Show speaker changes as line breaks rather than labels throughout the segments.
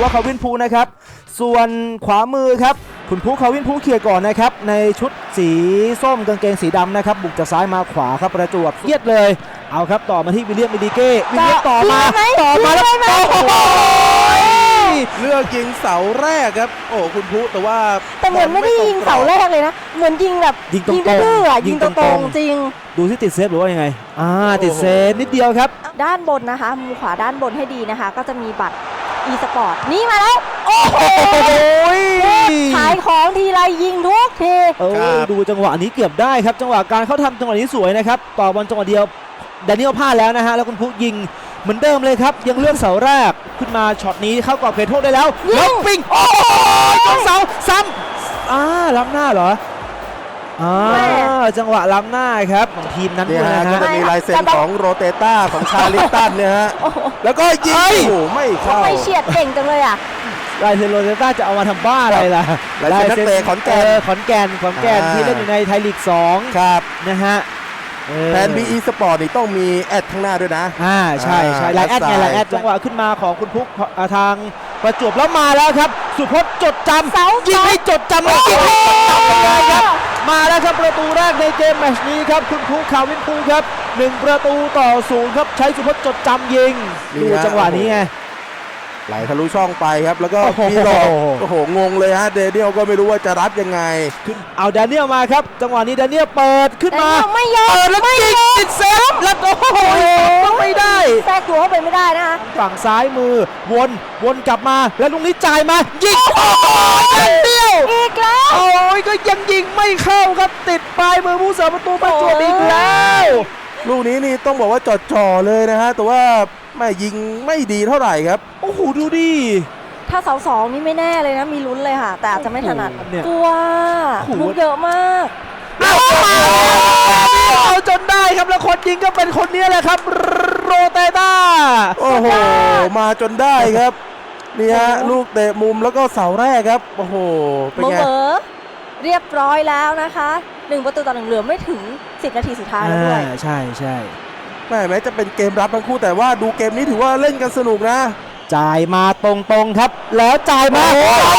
ว่าคาวินพูนะครับส่วนขวามือครับคุณภูคาวินพูเคลียร์ก่อนนะครับในชุดสีส้มกางเกงสีดำนะครับบุกจากซ้ายมาขวาครับประจวบเยียดเลยเอาครับต่อมาที่วิลเลียมมิดิเก้วิลเลียมต่อมาแล้ว
เลือกยิงเสาแรกครับโอ้คุณพุแต่
เหมือนไม่ได้ยิงเสาแรกเลยนะเหมือนยิงแบบ
ยิงดื้อ
ยิงตรงจริง
ดูที่ติดเซฟหรือว่ายังไงติดเซฟนิดเดียวครับ
ด้านบนนะคะมุมขวาด้านบนให้ดีนะคะก็จะมีบัตร e-sport นี่มาแล้วโอ้โหขายของทีไรยิงทุกที
ดูจังหวะนี้เกือบได้ครับจังหวะการเข้าทำจังหวะนี้สวยนะครับต่อบอลจังหวะเดียวแดเนียลพลาดแล้วนะฮะแล้วคุณพุยิงเหมือนเดิมเลยครับยังเลือกเสาแรกขึ้นมาช็อตนี้เข้ากรอบเขตโทษได้แล้วแล้วปิงโอ้ยจนเสาซ้ำล้ำหน้าเหรอจังหวะล้ำหน้าครับของทีมนั้น
ด้วยนะฮะก็จะมีลายเซ็นของโรเตต้าของชาลิตันเนี่ยฮะแล้วก็ยิงโอ้ไม่เข้า
ไม่เฉียดเก่งจังเลยอ่ะ
ลายเซ็นโรเตต้าจะเอามาทำบ้าอะไรล่ะ
ลายเซ็นนักเตะขอนแก่น
ที่เล่นอยู่ในไทยลีก2
ครับ
นะฮะ
แทน BE Sport นี่ต้องมีแอดข้างหน้าด้วยนะ
ใช่ไลน์แอดไงไลน์แอดจังหวะขึ้นมาของคุณพุกทางประจวบแล้วมาแล้วครับสุพจน์จดจำยิงให้จดจำยิงให้จดจำเลยครับมาแล้วครับประตูแรกในเกมแมตช์นี้ครับคุณพุกคาวินพูครับ1-0ครับใช้สุพจน์จดจำยิงดูจังหวะนี้ไง
ไหลทะลุช่องไปครับแล้วก็มีหลอกโอ้โหงงเลยฮะเดเนียลก็ไม่รู้ว่าจะรับยังไง
เอาแดเนียลมาครับจังหวะนี้แดเนียลเปิดขึ้นมา
ไม่ยอม
แล้วยิงติดเซฟแล้วโอ้โหต้องไม่ได้
แทรกตัวเข้าไปไม่ได้นะ
ฝั่งซ้ายมือวนกลับมาแล้วลุงนี้จ่ายมายิงแดเนียล
อีกแล้ว
โอ้ยก็ยังยิงไม่เข้าครับติดปลายมือผู้สาประตูประจวบอีกแล้ว
ลูกนี้นี่ต้องบอกว่าจ่อเลยนะฮะแต่ว่าไม่ยิงไม่ดีเท่าไหร่ครับ
โอ้โหดูดิ
ถ้าเสา2นี่ไม่แน่เลยนะมีลุ้นเลยค่ะแต่อาจจะไม่ถนัดกลัวลูกเยอะมาก
เอาจนได้ครับแล้วคนยิงก็เป็นคนนี้แหละครับโรเตต้า
โอ้โหมาจนได้ครับนี่ฮะลูกเตะมุมแล้วก็เสาแรกครับโอ้โห
เป็นไงเรียบร้อยแล้วนะคะ1-1เหลือไม่ถึง10นาทีสุดท้ายแล้วด้วย
ใช่
แม้จะเป็นเกมรับทั้งคู่แต่ว่าดูเกมนี้ถือว่าเล่นกันสนุกนะ
จ่ายมาตรงๆครับแล้วจ่ายมา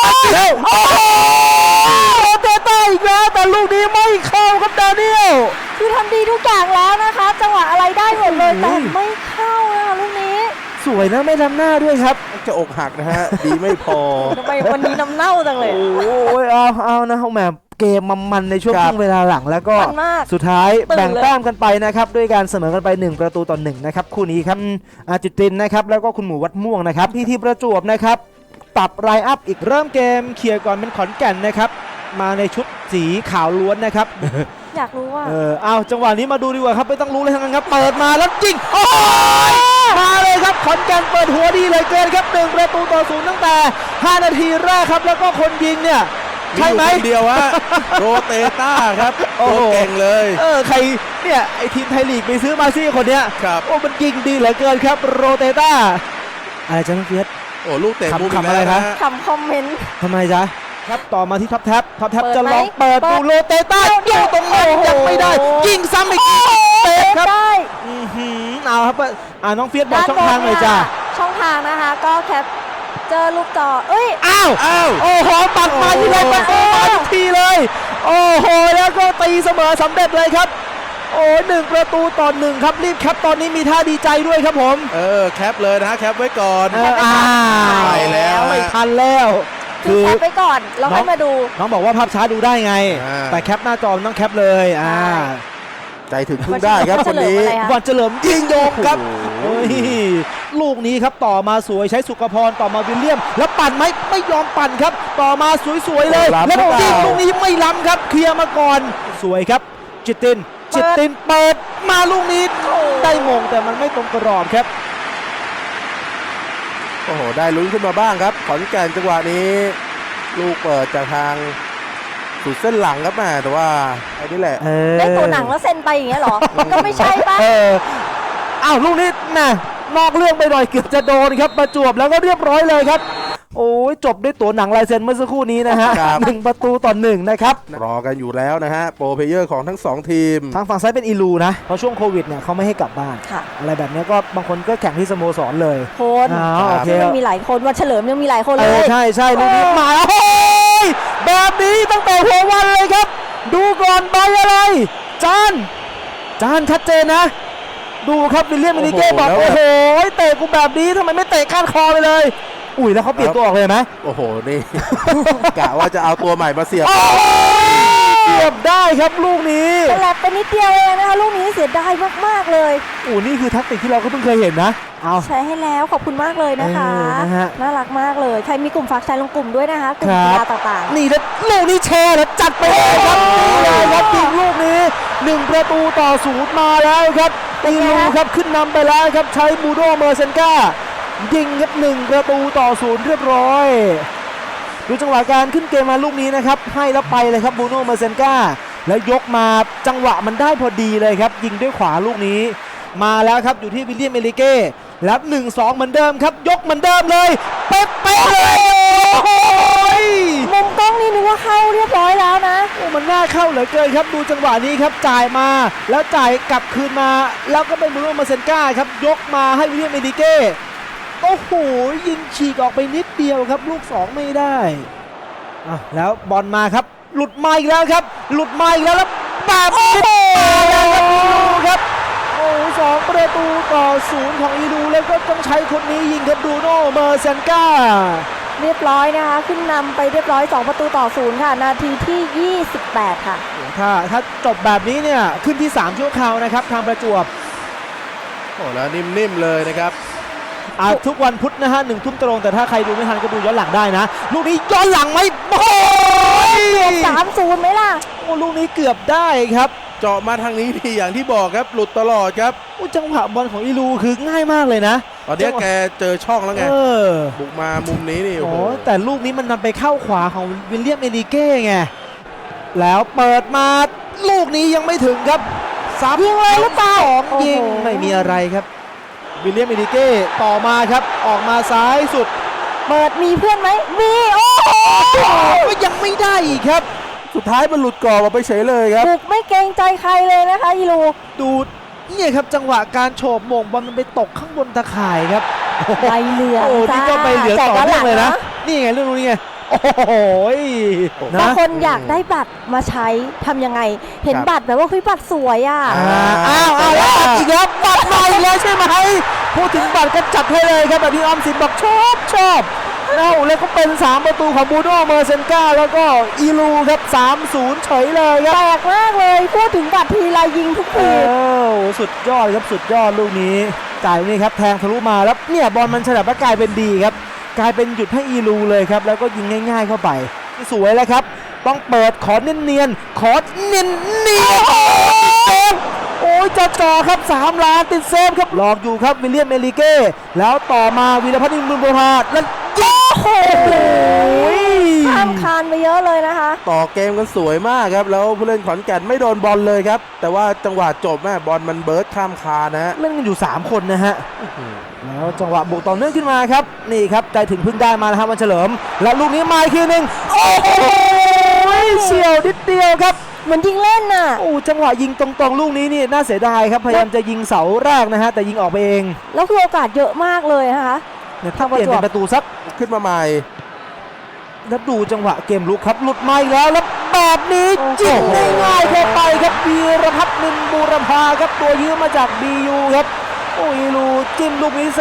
โรเตต้าอีกแล้วแต่ลูกนี้ไม่เข้าครับดาเนียล
คือทำดีทุกอย่างแล้วนะคะจังหวะอะไรได้หมดเลยแต่ไม่เข้านะคะลูกนี้
สวยนะไม่ล้ำหน้าด้วยครับ
จะอกหักนะฮะดีไม่พอ
ทำไมวันนี้น้ำเน่าจังเลย
โอ้ยเอานะแหมเกมมันในช่วงครึ่งเวลาหลังแล้วก็สุดท้ายแบ่งแต้มกันไปนะครับด้วยการเสมอกันไป1-1นะครับคู่นี้ครับจุตินนะครับแล้วก็คุณหมูวัดม่วงนะครับที่ประจวบนะครับปรับไลน์อัพอีกเริ่มเกมเคลียร์ก่อนเป็นขอนแก่นนะครับมาในชุดสีขาวล้วนนะครับ
อยากรู้ว่า
เอาจังหวะนี้มาดูดีกว่าครับไม่ต้องรู้เลยทั้งนั้นครับเปิดมาแล้วจริงโอ้ยมาเลยครับขอนแก่นเปิดหัวดีเลยเกินครับ1-0ตั้งแต่5นาทีแรกครับแล้วก็คนยิงเนี่ยใช่ไหม
เดียวฮะโรเตต้าครับโอ้เก่งเลย
ใครเนี่ยไอทีมไทยลีกไปซื้อมาซี่คนเนี้ยโอ้มันยิงดีเหลือเกินครับโรเตต้าอะไรจ๊ะน้องเฟียส
โอ้ลูกเตะมุม
อะไรครับ
คำคอมเมนต์
ทำไมจ๊ะครับต่อมาที่ท็อปแท็บจะลองเปิดดูโรเตต้ายิงตรงนั้นยังไม่ได้ยิงซ้ำอีกเตะครับเอาครับน้องเฟียสบอกช่องทางหน่อยจ้ะ
ช่องทางนะคะก็แคปเจอลูกจอ
อ้าวโอ้โหปัดมาที่เลยประตูมาทุกทีเลยโอ้โหแล้วก็ตีเสมอสำเร็จเลยครับโอ้1-1ครับรีบแคปตอนนี้มีท่าดีใจด้วยครับผม
แคปเลยนะแคปไว้ก่อน
ไปแล้วไม่ทันแล้ว
คือแคปไว้ก่อนเราให้มาดู
น้องบอกว่าภาพช้าดูได้ไงแต่แคปหน้าจอต้องแคปเลย
ใจถึงพึ่งได้ครับคนนี้
วันเฉลิมยิงโยงครับลูกนี้ครับต่อมาสวยใช้สุขพรต่อมาวิลเลียมแล้วปั่นไหมไม่ยอมปั่นครับต่อมาสวยๆเลยแล้วยิงลูกนี้ไม่ล้ำครับเคลียร์มาก่อนสวยครับจิตตินเปิดมาลูกนี้ได้มงแต่มันไม่ตรงกรอบครับ
โอ้โหได้ลุ้นขึ้นมาบ้างครับขอนแก่นจังหวะนี้ลูกเปิดจากทางสุดเส้นหลังครับแม่แต่ว่าไอ้นี่แหละ
ได้ตัวหนังแล้วเซ็นไปอย่างเงี้ยหรอก็ไม่ใช่ป่ะ
อ้าวลูกนี้น่ะนอกเรื่องไปหน่อยเกือบจะโดนครับประจวบแล้วก็เรียบร้อยเลยครับโอ้ยจบด้วยตัวหนังลายเซ็นเมื่อสักครู่นี้นะฮะ
ครับ
1-1นะครับ
รอกันอยู่แล้วนะฮะโปรเพลเยอร์ของทั้ง 2 ทีม
ทางฝั่งซ้ายเป็นอีลูนะเพราะช่วงโควิดเนี่ยเขาไม่ให้กลับบ้าน
ค่ะ
อะไรแบบนี้ก็บางคนก็แข่งที่สโมสรเลย
คน
อ๋อโอเค
ยังมีหลายคนวันเฉลิมยังมีหลายคน
เอ
เล
อยใช่ลูกนี้มาแล้วโอ้ยแบบนี้ตั้งแต่หัววันเลยครับ ดูก่อนใบอะไรจานชัดเจนนะ ดูครับวิลเลียมมินิเก้บอก
โอ้
โอ้
โห
โหเตะกูแบบนี้ทำไมไม่เตะก้านคอไปเลย อุ้ยแล้วเขาเปลี่ยนตัวออกเลยไหม
โอ้โห นี่ กะว่าจะเอาตัวใหม่มาเสียบ
โอ้ยเสียบได้ครับลูกนี้
ฉลับไปนิดเดียวเองนะคะลูกนี้เสียดายมากๆเลย
โอ้นี่คือแทักติกที่เราก็เพิ่งเคยเห็นนะเอา
ใช้ให้แล้วขอบคุณมากเลยนะคะ
นะฮะ
น่ารักมากเลยใครมีกลุ่มฝากใช้ลงกลุ่มด้วยนะคะกลุ่ม
ครับ
กีฬาต่าง
นี่แล้วลูกนี้แชร์แล้วจัดไปเลยครับนี่เลยครับยิงลูกนี้1-0มาแล้วครับอีลูครับขึ้นนำไปแล้วครับใช้บูโดเมอร์เซนกายิงครับ1-0เรียบร้อยดูจังหวะการขึ้นเกมมาลูกนี้นะครับให้แล้วไปเลยครับบูโดเมอร์เซนกาแล้วยกมาจังหวะมันได้พอดีเลยครับยิงด้วยขวาลูกนี้มาแล้วครับอยู่ที่วิลเลียมเอลิเก้แล้ว 1-2 เหมือนเดิมครับยกเหมือนเดิมเลยเป๊ะๆเลยโอ้โห
ๆมุมกล้องนี่นึกว่าเข้าเรียบร้อยแล้วนะ
โอ้มันน่าเข้าเหลือเกินครับดูจังหวะนี้ครับจ่ายมาแล้วจ่ายกลับคืนมาแล้วก็เป็นบูโน่มาเซนก้าครับยกมาให้วิลเลียมเอดิเก้โอ้โหยิงฉีกออกไปนิดเดียวครับลูก 2 ไม่ได้แล้วบอลมาครับหลุดมาอีกแล้วครับหลุดมาอีกแล้วแบบนี้มาแล้วครับอีลูครับโอ้2-0ของอีลูแล้วก็ต้องใช้คนนี้ยิงครับบูโน่เมอร์เซนก้า
เรียบร้อยนะคะขึ้นนำไปเรียบร้อย2-0ค่ะนาทีที่ 28 ค่ะ
ถ้าจบแบบนี้เนี่ยขึ้นที่ 3 ชั่วคราวนะครับทางประจวบ
โอ้แล้วนิ่มๆเลยนะครับ
ทุกวันพุธนะฮะ1 ทุ่มตรงแต่ถ้าใครดูไม่ทันก็ดูย้อนหลังได้นะลูกนี้ย้อนหลังไหมโอ้ย
3-0ไหมล่ะ
โอ้ลูกนี้เกือบได้ครับ
เจาะมาทางนี้ทีอย่างที่บอกครับ หลุดตลอดครับ
โอ้จังหวะบอลของอีลูคือง่ายมากเลยนะ
ตอนนี้แกเจอช่องแล้วไง
อ
บุกมามุมนี้นี่ โอ้
โอ้
โห
แต่ลูกนี้มันนำไปเข้าขวาของวิลเลียมเอดิเก้ไงแล้วเปิดมาลูกนี้ยังไม่ถึงครับยิงเลยหรือเปล่ายิงไม่มีอะไรครับวิลเลียมเอดิเก้ต่อมาครับออกมาซ้ายสุด
เปิดมีเพื่อนไหมมีโอ้โห
ก็ยังไม่ได้อีกครับ
สุดท้ายมันหลุดกรอบออกไปเฉยเลยครับ
บุกไม่เกรงใจใครเลยนะคะอีลู
ดูเนี่ยครับจังหวะการโฉบโมงบอลมันไปตกข้างบนตะข่ายครับ
ใบเหลือง
โอ้นี่ก็ไปเหลืองต่อเนื่องเลยนะ
แจก
นี่ไงเรื่องนี้ไงโอ้โห
บาง
นะ
คนอยากได้บัตรมาใช้ทำยังไง เห็น
ครับ
บัตรแบบว่าเฮ้ยบัตรสวยอ่ะ
อ้าวแล้วบัตรอีกแล้วบัตรมาอีกแล้วใช่ไหมพูดถึงบัตรก็จัดให้เลยครับแบบที่ออมสินบอกชอบแล้วก็เป็น3 ของบูโน่เมอร์เซนกาแล้วก็อีลูครับ3-0เฉยเลยครับ
แปลกมากเลยพูดถึงบัตรทีไรยิงทุกที
สุดยอดครับสุดยอดลูกนี้จ่ายนี่ครับแทงทะลุมาแล้วเนี่ยบอลมันฉลับแล้วกลายเป็นดีครับกลายเป็นหยุดให้อีลูเลยครับแล้วก็ยิงง่ายๆเข้าไปสวยแล้วครับต้องเปิดขอเนียนๆขอเนียนๆโอ้ยจ่อครับ3 ล้านติดเซฟครับหลอกอยู่ครับวิลเลียมเอลิเก้แล้วต่อมาวีรพัฒน์อินบุญโบราณแล้วยิงโอ้ย
ข้ามคานไปเยอะเลยนะคะ
ต่อเกมกันสวยมากครับ แล้วผู้เล่นขอนแก่นไม่โดนบอลเลยครับ แต่ว่าจังหวะจบแม่บอลมันเบิร์ดข้ามคานนะฮะ
เล่นกันอยู่3 คนนะฮะแล้วจังหวะบุกต่อเนื่องขึ้นมาครับนี่ครับใจถึงพึ่งได้มานะครับวันเฉลิมและลูกนี้มาอีกทีนึงโอ้โหเฉียวนิดเดียวครับ
เหมือนยิงเล่นน่ะ
โอ้จังหวะยิงตรงๆลูกนี้นี่น่าเสียดายครับพยายามจะยิงเสาแรกนะฮะแต่ยิงออกไปเอง
แล้วคือโอกาสเยอะมากเลยนะคะ
เนี่ยถ้าเปลี่ยนเป็นประตูสัก
ขึ้นมาใหม่
แล้วดูจังหวะเกมลุกครับหลุดมาอีกแล้วแล้วแบบนี้จิ้มง่ายๆเข้าไปครับวีรพัฒน์นินบูรพาครับตัวยืมมาจาก BU ครับโอ้ยลูจิ้มลูกนี้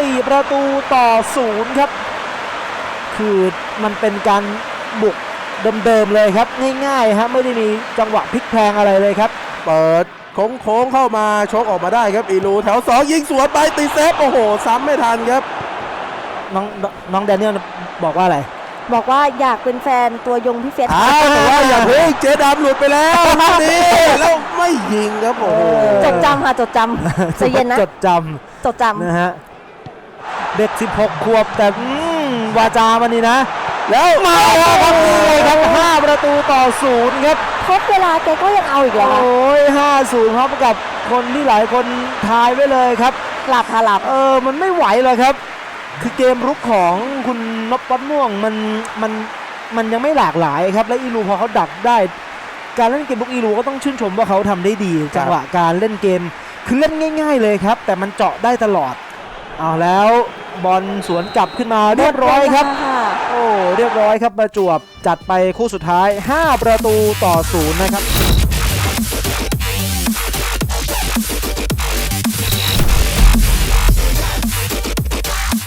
4-0ครับคือมันเป็นการบุกเดิมๆเลยครับง่ายๆฮะไม่ได้มีจังหวะพลิกแพลงอะไรเลยครับ
เปิดโค้งเข้ามาชกออกมาได้ครับอีลูแถว2ยิงสวนไปตีเซฟโอ้โหซ้ำไม่ทันครับ
น้องแดเนียลบอกว่าอะไร
บอกว่าอยากเป็นแฟนตัวยงพี่เฟส
แต่ว่าอย่าเพิ่งเจ๊ดำหลุดไปแล้วลูกนี้แล้วไม่ยิงครับโอ้โห
จดจำค่ะจดจำใจเย็นนะ
จดจ
จดจ
ำนะฮะเด็ก16 ขวบแต่วาจามันนี่นะ แล้วมาแล้วครับนี่เลยครับ5-0ครับ
ำทดเวลาแกก็ยังเอาอีกเหรอ
โอ้ย5-0ครับกับคนที่หลายคนทายไว้เลยครับ
หลับค่ะหลับ
มันไม่ไหวเลยครับคือเกมรุกของคุณนพวัดม่วงมันยังไม่หลากหลายครับและอีลูพอเขาดักได้การเล่นเกมบุกอีลูก็ต้องชื่นชมว่าเขาทำได้ดีจังหวะการเล่นเกมคือเล่นง่ายๆเลยครับแต่มันเจาะได้ตลอดเอาแล้วบอลสวนกลับขึ้นมาเรียบร้อยครับโอ้เรียบร้อยครับประจวบจัดไปคู่สุดท้าย5 ประตูต่อ 0นะครับ